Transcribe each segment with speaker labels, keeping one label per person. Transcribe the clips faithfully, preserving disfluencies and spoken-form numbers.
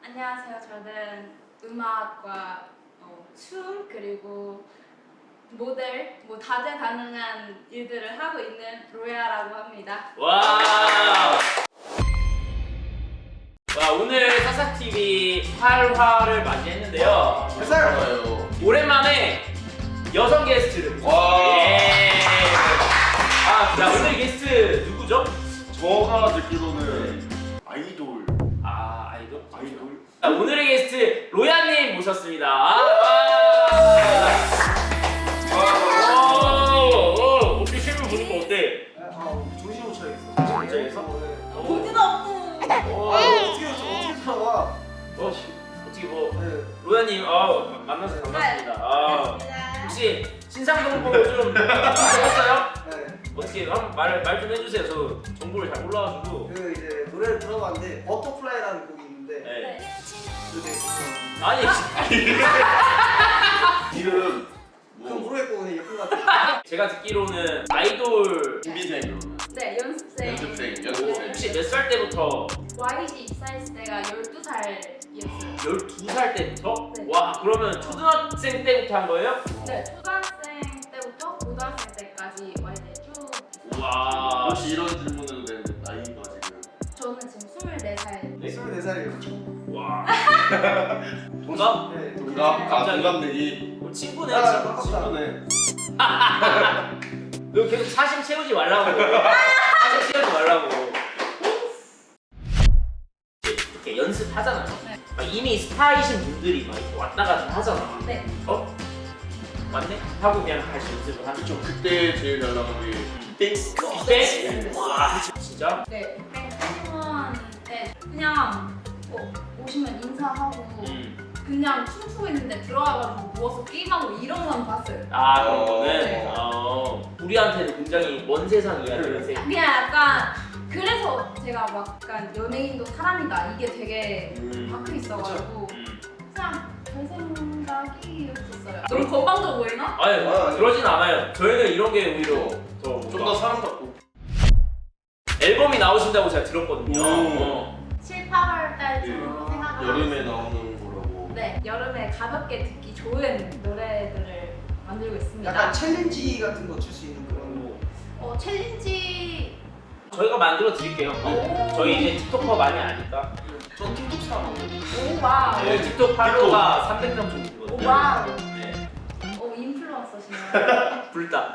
Speaker 1: 안녕하세요. 저는 음악과 어, 춤 그리고 모델, 뭐 다재다능한 일들을 하고 있는 로야라고 합니다.
Speaker 2: 와. 와, 오늘 사사티비 팔 화를 맞이했는데요.
Speaker 3: 회사요.
Speaker 2: 오랜만에 여성 게스트를 모셨습니다. 예. 아, 자, 오늘 게스트 누구죠?
Speaker 3: 저가 듣기로는 아이돌.
Speaker 2: 아, 아이돌?
Speaker 3: 아이돌.
Speaker 2: 자, 오늘의 게스트 로야님 모셨습니다. 아, 와. 오, 어떻게 실물 보니까 어때?
Speaker 4: 아, 정신 못 차리겠어.
Speaker 2: 진짜에서?
Speaker 1: 보지도 않고.
Speaker 2: 오,
Speaker 4: 어떻게 어떻게 살아와?
Speaker 2: 어, 어떻게 뭐
Speaker 4: 네.
Speaker 2: 로야님, 아, 만나서 반갑습니다. 아,
Speaker 1: 반갑습니다.
Speaker 2: 혹시 신상동 보고 좀 들었어요?
Speaker 4: 네.
Speaker 2: 어떻게 한번 말 말 좀 해주세요. 저 정보를 잘 몰라가지고.
Speaker 4: 그 이제 노래를 들어봤는데 버터플라이라는 곡이 있는데
Speaker 2: 네.
Speaker 4: 그 되게 좋아요.
Speaker 2: 아니,
Speaker 3: 이름
Speaker 4: 그럼
Speaker 3: 뭐
Speaker 4: 모르겠고 그냥 예쁜 것 같아.
Speaker 2: 제가 듣기로는 아이돌
Speaker 3: 준비생 그러면
Speaker 1: 네, 연습생.
Speaker 3: 연습생
Speaker 2: 뭐
Speaker 3: 연습생.
Speaker 2: 혹시 몇 살 때부터?
Speaker 1: 와이지 입사했을 때가 열두 살이었어요.
Speaker 2: 열두 살 때부터?
Speaker 1: 네.
Speaker 2: 와, 그러면 초등학생 때부터 한 거예요?
Speaker 1: 네, 초등학생 때부터 고등학생 때까지 와이지에 쭉.
Speaker 2: 와.
Speaker 3: 혹시 이런 질문해도 되는데 나이가 지금
Speaker 1: 저는 지금 스물네 살.
Speaker 2: 네?
Speaker 4: 스물네 살이에요.
Speaker 2: 와. 동갑?
Speaker 4: 네.
Speaker 3: 동갑 아
Speaker 2: 갑자기.
Speaker 3: 동갑 내기
Speaker 2: 어, 친구네,
Speaker 4: 아,
Speaker 2: 친구.
Speaker 4: 깜깜다.
Speaker 3: 친구네.
Speaker 2: 너 계속 사심 채우지 말라고. 사심 채우지 말라고. 이렇게 연습하잖아요.
Speaker 1: 네.
Speaker 2: 막 이미 스타이신 분들이 막 이렇게 왔다 갔다 하잖아.
Speaker 1: 네.
Speaker 2: 어? 맞네? 하고 그냥 다시 연습을 하는
Speaker 3: 그쵸 그때 제일 잘 나간 게 빅뱅.
Speaker 2: 빅뱅? 와, 진짜?
Speaker 1: 네, 팬원 때 그냥 어, 오시면 인사하고
Speaker 2: 음.
Speaker 1: 그냥 춤추고 있는데 들어와가지고 누워서 게임하고 이런 건 봤어요.
Speaker 2: 아, 그런
Speaker 3: 어.
Speaker 2: 거는
Speaker 1: 네.
Speaker 2: 어, 우리한테는 굉장히 먼 세상 이야기를 세.
Speaker 1: 그냥 약간 그래서 제가 막 약간 연예인도 사람이다 이게 되게
Speaker 2: 음.
Speaker 1: 박혀 있어가지고
Speaker 2: 음.
Speaker 1: 그냥 별 생각이었어요. 너무 건방져 보이나?
Speaker 2: 아니,
Speaker 3: 아,
Speaker 2: 그러진 않아요. 저희는 이런 게 오히려 더
Speaker 3: 좀 더 사랑받고.
Speaker 2: 앨범이 나오신다고 제가 들었거든요.
Speaker 3: 오.
Speaker 2: 어.
Speaker 1: 칠, 팔월 달쯤으로
Speaker 3: 그
Speaker 1: 생각을
Speaker 3: 여름에
Speaker 1: 하고 있어요.
Speaker 3: 나오는 거라고.
Speaker 1: 네, 여름에 가볍게 듣기 좋은 노래들을 만들고 있습니다.
Speaker 4: 약간 챌린지 같은 거 줄 수 있는 그런.
Speaker 1: 어, 챌린지
Speaker 2: 저희가 만들어 드릴게요.
Speaker 1: 오.
Speaker 2: 저희 이제 틱톡커 많이 아니까.
Speaker 3: 저 틱톡 사람.
Speaker 1: 오 와우.
Speaker 2: 저희 틱톡 팔로워가 삼백 명 정도 되거든요.
Speaker 1: 오 와우.
Speaker 2: 네.
Speaker 1: 오 인플루언서시네요.
Speaker 2: 불다.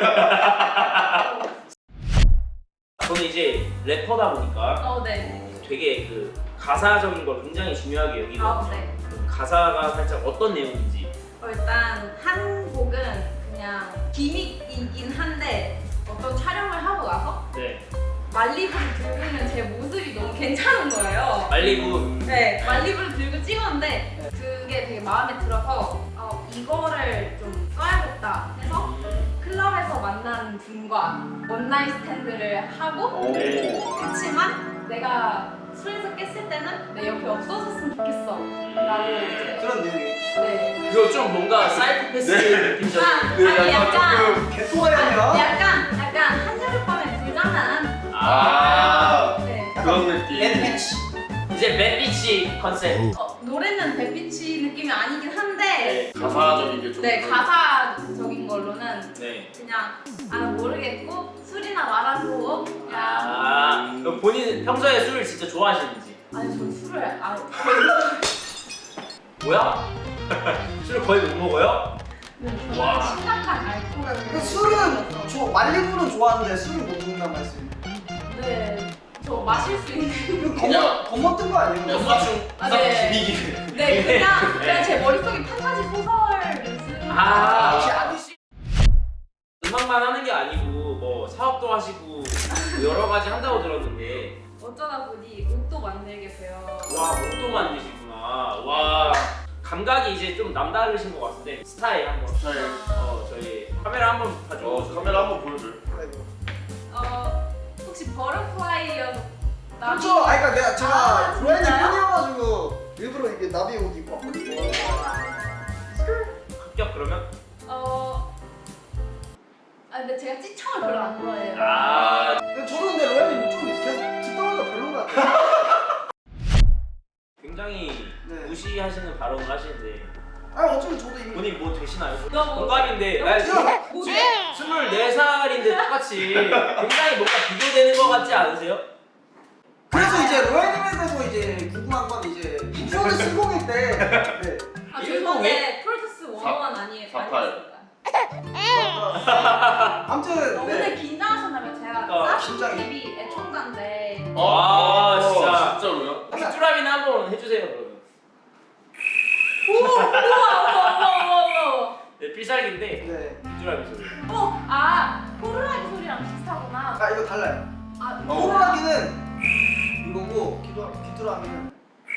Speaker 2: 저는 이제 래퍼다 보니까
Speaker 1: 어, 네.
Speaker 2: 되게 그 가사적인 걸 굉장히 중요하게
Speaker 1: 아,
Speaker 2: 여기거든요.
Speaker 1: 네.
Speaker 2: 그 가사가 살짝 어떤 내용인지.
Speaker 1: 어, 일단 한 곡은 그냥 기믹이긴 한데 어떤 촬영을 하고 나서
Speaker 2: 네.
Speaker 1: 말리부를 들고 있는 제 모습이 너무 괜찮은 거예요.
Speaker 2: 말리부.
Speaker 1: 네, 말리부를 들고 찍었는데 그게 되게 마음에 들어서 어, 이거를 좀 써야겠다 해서 클럽에서 만난 분과 원나잇 스탠드를 하고
Speaker 3: 오.
Speaker 2: 네.
Speaker 1: 그치만 내가 술에서 깼을 때는 내 옆에 없어졌으면 좋겠어 라고 이제
Speaker 4: 그런 내용이.
Speaker 1: 네.
Speaker 2: 이거 좀 뭔가 사이코패스
Speaker 3: 네.
Speaker 2: 느낌적인.
Speaker 1: 아,
Speaker 3: 네,
Speaker 1: 아니
Speaker 3: 약간
Speaker 1: 약간
Speaker 3: 조금
Speaker 4: 개똥아리
Speaker 1: 아,
Speaker 4: 아니야?
Speaker 1: 약간 약간 한여름밤의 불장난
Speaker 3: 아
Speaker 1: 네.
Speaker 3: 그런 느낌.
Speaker 4: 앤피치.
Speaker 2: 이제 맷비치 컨셉.
Speaker 1: 어, 노래는 햇빛이 느낌이 아니긴 한데
Speaker 2: 네.
Speaker 3: 가사적인 게 좀.
Speaker 1: 네 가사적인 걸로는
Speaker 2: 네.
Speaker 1: 그냥 아 모르겠고 술이나 말아줘 그냥
Speaker 2: 아, 그럼 본인 평소에 술을 진짜 좋아하시는지?
Speaker 1: 아니 저 술을 아
Speaker 2: 뭐야? 술을 거의 못 먹어요?
Speaker 1: 저는
Speaker 2: 와.
Speaker 1: 심각한 알코올
Speaker 4: 그 술은 저 말리부는 좋아하는데 술은 못 먹는단 말씀.
Speaker 1: 네저 마실 수 있는
Speaker 4: 겁먹 겁먹던 거 아니에요?
Speaker 3: 그냥 사충
Speaker 1: 아,
Speaker 3: 사충
Speaker 1: 네.
Speaker 3: 비비기.
Speaker 1: 네 그냥 그냥 제 머릿속에 판타지 소설을 쓰는
Speaker 2: 아,
Speaker 4: 역시
Speaker 2: 아저씨. 음악만 하는 게 아니고 뭐 사업도 하시고 뭐 여러 가지 한다고 들었는데
Speaker 1: 어쩌다 보니 옷도 만들게 돼요.
Speaker 2: 와, 옷도 만드시구나. 와, 감각이 이제 좀 남다르신 것 같은데 스타일 한번.
Speaker 3: 스타일.
Speaker 2: 어, 저희 카메라 한번 봐줘.
Speaker 3: 어 카메라 한번 보여줘.
Speaker 1: 어 혹시 버터플라이여서 나비
Speaker 4: 그렇죠. 아 그러니까 내가 제가
Speaker 1: 아,
Speaker 4: 로엔이
Speaker 1: 진짜요?
Speaker 4: 팬이어가지고 일부러 이게 나비 옷 입고 왔거든요.
Speaker 2: 합격 그러면?
Speaker 1: 어. 아 근데 제가 찌청을 별로 안 좋아해요.
Speaker 2: 아,
Speaker 4: 근데 저는 근데 로엔이 좀 계속 듣다 보니까 별론 것 같아요.
Speaker 2: 굉장히 굉장히
Speaker 4: 네.
Speaker 2: 무시하시는 발언을 하시는데
Speaker 4: 아니 어차피 저도 이미
Speaker 2: 본인 뭐 되시나요?
Speaker 1: 너무
Speaker 2: 동갑인데
Speaker 1: 너무
Speaker 2: 아니,
Speaker 4: 야!
Speaker 1: 뭐지?
Speaker 2: 스물네 살인데 똑같이 굉장히 뭔가 비교되는 것 같지 않으세요?
Speaker 4: 그래서 이제 로얄님에서 이제 궁금한 건 이제 인프로드 실공일 때 네.
Speaker 1: 아
Speaker 2: 일본
Speaker 1: 죄송한데 프로듀스 원어원 아니에요?
Speaker 3: 사팔.
Speaker 4: 아무튼
Speaker 1: 오늘
Speaker 4: 네.
Speaker 1: 긴장하셨나면 제가
Speaker 2: 어,
Speaker 1: 사십 티비 애청자인데
Speaker 2: 아, 진짜.
Speaker 3: 진짜로요?
Speaker 2: 쭈라미는 한번 해주세요 그러면.
Speaker 1: 우와 우와 우와 우와 우와
Speaker 2: 네, 필살기인데
Speaker 4: 네.
Speaker 2: 쭈라미 소리.
Speaker 1: 어, 아 호루라기 소리랑 비슷하구나.
Speaker 4: 아 이거 달라요.
Speaker 1: 아
Speaker 3: 어.
Speaker 4: 호루라기는 이거고 귀도 귀뚜라미는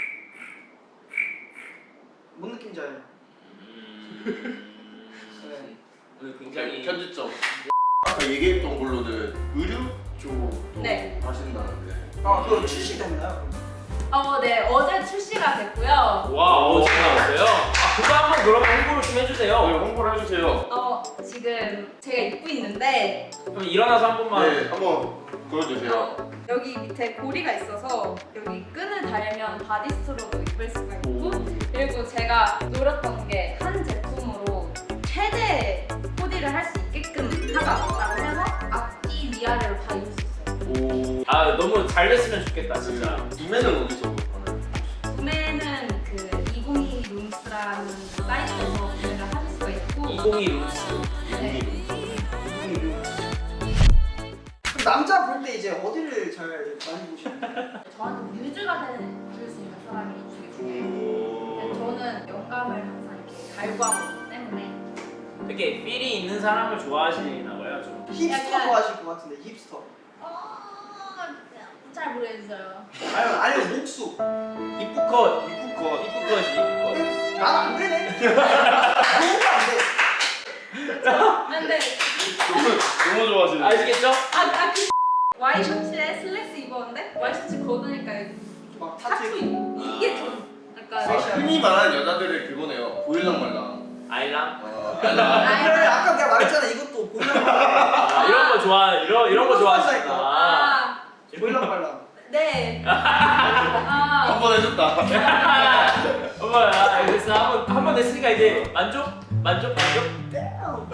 Speaker 4: 뭔 느낌인지 알아요?
Speaker 2: 음...
Speaker 4: 네.
Speaker 2: 오늘 굉장히
Speaker 3: 편집점. 아까 얘기했던 걸로는 의류 쪽도
Speaker 1: 네.
Speaker 3: 하신다는데.
Speaker 4: 아 그거 출시됐나요?
Speaker 1: 어, 네 어제 출시가 됐고요.
Speaker 2: 와 어제 나왔어요? 아 그거 한번 그러면 홍보를 좀 해주세요.
Speaker 3: 네, 홍보를 해주세요.
Speaker 1: 어 지금 제가 입고 있는데
Speaker 2: 그럼 일어나서 한 번만.
Speaker 3: 네, 한번 보여주세요.
Speaker 1: 어, 여기 밑에 고리가 있어서 여기 끈을 달면 바디스트로도 입을 수가 있고 그리고 제가 노렸던 게 한 제품으로 최대 코디를 할 수 있게끔 하자라고 해서 앞뒤 위아래로 다 입을 수 있어요.
Speaker 3: 오.
Speaker 2: 아 너무 잘 됐으면 좋겠다 진짜.
Speaker 3: 구매는 어디서 하나요?
Speaker 1: 구매는 그 이공이 룸스라는 사이트에서 구매를 하실 수가 있고
Speaker 2: 이공이 룸스.
Speaker 1: 네.
Speaker 4: 그럼 남자 볼 때 이제 어디를 잘 많이 보시나요?
Speaker 1: 저한테 뮤즈가 되는 줄 수 있는 사람이 되게 중요해요.
Speaker 2: 오.
Speaker 1: 저는 영감을 항상 이렇게 갈구하고 때문에
Speaker 2: 이렇게 필이 있는 사람을 좋아하시나 봐요 좀.
Speaker 4: 힙스터
Speaker 1: 약간-
Speaker 4: 좋아하실 것 같은데 힙스터.
Speaker 1: 어... 잘 모르겠어요.
Speaker 4: 아니면 아니면 목수.
Speaker 2: 이쁘컷.
Speaker 3: 이쁘컷.
Speaker 2: 이쁘컷이 이쁘컷.
Speaker 4: 난안 되네. 너무 안 돼.
Speaker 1: 근데
Speaker 3: 너무 좋아하시는.
Speaker 2: 아시겠죠?
Speaker 1: 아그 와이셔츠에 슬랙스 입었는데 와이셔츠 걷으니까 이렇게
Speaker 4: 막
Speaker 1: 타투
Speaker 4: 타투.
Speaker 1: 입고 이게 좀
Speaker 3: 아,
Speaker 1: 약간
Speaker 3: 흔히 말하는 여자들의 그거네요. 보일랑 말랑.
Speaker 2: 아이랑.
Speaker 3: 아,
Speaker 4: 그래 아까 내가 말했잖아 이것도 보면
Speaker 2: 아, 이런 거 좋아 이런 이런 거 좋아하시구나.
Speaker 1: 아,
Speaker 4: 보일랑 말랑.
Speaker 1: 네. 아,
Speaker 3: 한번 해줬다.
Speaker 2: 어머, 아, 알겠어. 한번 한 번 됐으니까 이제 만족? 만족? 만족?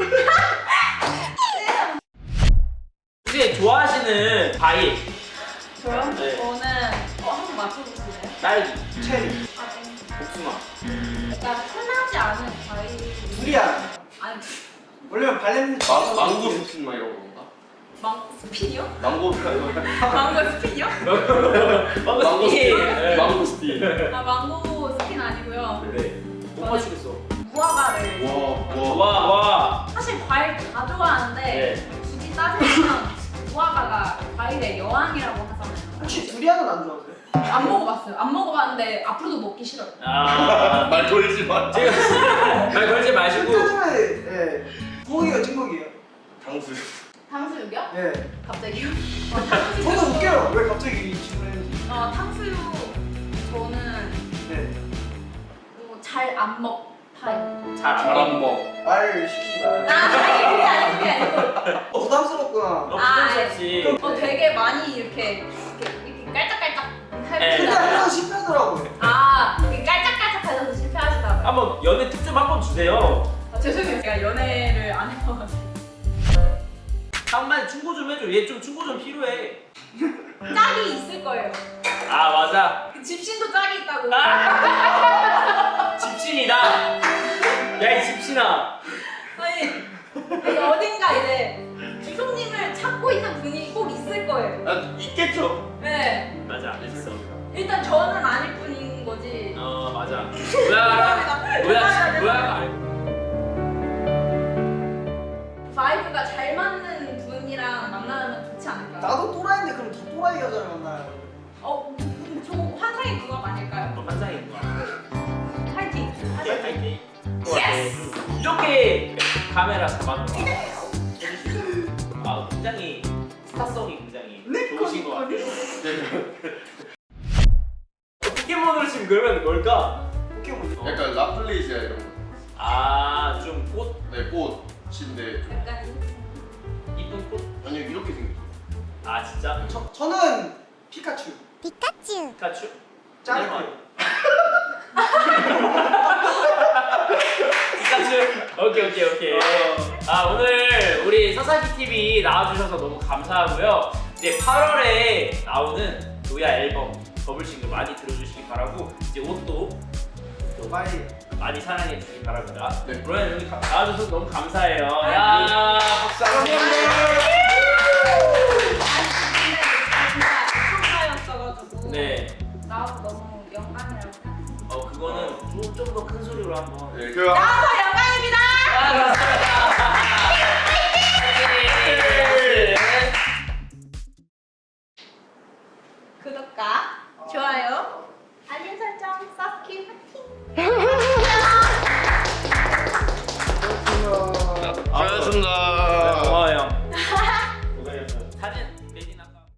Speaker 2: 혹시 좋아하시는 과일?
Speaker 1: 저요?
Speaker 2: 네.
Speaker 1: 저는 어, 한번 맞춰보실래요?
Speaker 2: 딸기,
Speaker 4: 체리.
Speaker 1: 아, 네.
Speaker 2: 복숭아.
Speaker 1: 약간 흔하지 않은 과일.
Speaker 4: 두리안.
Speaker 1: 아니,
Speaker 4: 원래 발냄새.
Speaker 3: 망, 망고 스킨 막 이런 건가?
Speaker 1: 망 스피요?
Speaker 3: 망고
Speaker 1: 망고 스피요?
Speaker 2: 망고
Speaker 3: 망고
Speaker 2: 스틱.
Speaker 3: 스틱.
Speaker 2: 네.
Speaker 3: 망고 스틱.
Speaker 1: 아, 망고 스킨 아니고요.
Speaker 2: 네. 못 맞추겠어.
Speaker 1: 무화과를.
Speaker 3: 와, 와.
Speaker 2: 와, 와.
Speaker 1: 사실 과일 다 좋아하는데
Speaker 2: 네.
Speaker 1: 굳이 따지면 무화과가 과일의 여왕이라고 하잖아요.
Speaker 4: 혹시 두리안은 안 좋아하세요?
Speaker 1: 안 먹어봤어요. 안 먹어봤는데 앞으로도 먹기 싫어요.
Speaker 2: 아.
Speaker 3: 말 걸지 마.
Speaker 2: 지금 말 걸지 마시고.
Speaker 4: 요즘에 예. 부엌이에요, 찐국이에요.
Speaker 3: 당수.
Speaker 1: 탕수육이요?
Speaker 4: 예.
Speaker 1: 갑자기요? 어, 탕수육.
Speaker 4: 저도 웃겨요. 왜 갑자기 이 질문을 했는지.
Speaker 1: 어, 탕수육 저는
Speaker 4: 네.
Speaker 1: 뭐 잘 안 먹 타입.
Speaker 2: 잘 안
Speaker 3: 잘안
Speaker 2: 먹어.
Speaker 3: 먹.
Speaker 4: 말 시키지
Speaker 1: 아,
Speaker 4: 말.
Speaker 1: 아니 그게 아니고 그게 아니고.
Speaker 4: 어, 부담스럽구나.
Speaker 2: 너
Speaker 1: 아,
Speaker 2: 부담스럽지.
Speaker 1: 어, 되게 많이 이렇게 이렇게, 이렇게 깔짝깔짝
Speaker 2: 네.
Speaker 4: 근데 항상
Speaker 1: 하시나
Speaker 4: 실패하더라고요.
Speaker 1: 아, 이렇게 깔짝깔짝 하셔서 실패하시다고요?
Speaker 2: 한번 연애 팁 좀 한번 주세요.
Speaker 1: 아, 죄송해요. 제가 연애를 안 해봐가지고.
Speaker 2: 한번 충고 좀 해줘. 얘 좀 충고 좀 필요해.
Speaker 1: 짝이 있을 거예요.
Speaker 2: 아 맞아.
Speaker 1: 그 집신도 짝이 있다고.
Speaker 2: 아! 집신이다. 야 이 집신아.
Speaker 1: 아니, 아니, 어딘가 이제 주송님을 찾고 있는 분이 꼭 있을 거예요.
Speaker 3: 아, 있겠죠.
Speaker 1: 네.
Speaker 2: 맞아. 있어.
Speaker 1: 일단 저는 아닐 뿐인 거지.
Speaker 2: 어 맞아. 뭐야? 뭐야? 뭐야? 알고.
Speaker 1: 바이브가 잘 맞는 분이랑 만나면 좋지 않을까요?
Speaker 4: 나도 또라이인데 그럼 더 또라이 여자를 만나요.
Speaker 1: 어, 음, 저 환상의 궁합 아닐까요?
Speaker 2: 너 환상인 거야.
Speaker 1: 파이팅!
Speaker 2: 파이팅. 파이팅.
Speaker 1: 예스!
Speaker 2: 이렇게 카메라 잡아놓고 아 굉장히 스타성이 굉장히 좋으신 것 같아요. 포켓몬으로 지금 그러면 뭘까?
Speaker 4: 포켓몬.
Speaker 2: 어.
Speaker 3: 약간 라플레이지아 이런 거.
Speaker 2: 아좀 꽃?
Speaker 3: 네, 꽃인데 좀.
Speaker 1: 약간
Speaker 2: 이쁜 꽃?
Speaker 3: 아니 이렇게 생겼어.
Speaker 2: 아 진짜?
Speaker 4: 저 저는 피카츄.
Speaker 2: 피카츄?
Speaker 4: 짧게.
Speaker 2: 열심히 나와주셔서 너무 감사하고요. 이제 팔월에 나오는 노야 앨범 더블 싱글 많이 들어주시기 바라고 이제 옷도 또
Speaker 4: 빨리
Speaker 2: 많이 사랑해 주시기 바랍니다.
Speaker 3: 네.
Speaker 2: 로엔 여기 가- 나와줘서 너무 감사해요. 야 박수 한번
Speaker 1: 근데 진짜 축하였어가지고
Speaker 2: 네.
Speaker 1: 나와서 너무 영광이라고 생각합니다.
Speaker 2: 어 그거는 좀 더 큰 소리로 한번.
Speaker 3: 네, 그
Speaker 1: 나와서 영광입니다.
Speaker 2: 아, 감사합니다.
Speaker 1: 구독과 좋아요, 알림 설정, 서스키 파이팅.
Speaker 3: 수고하셨습니다.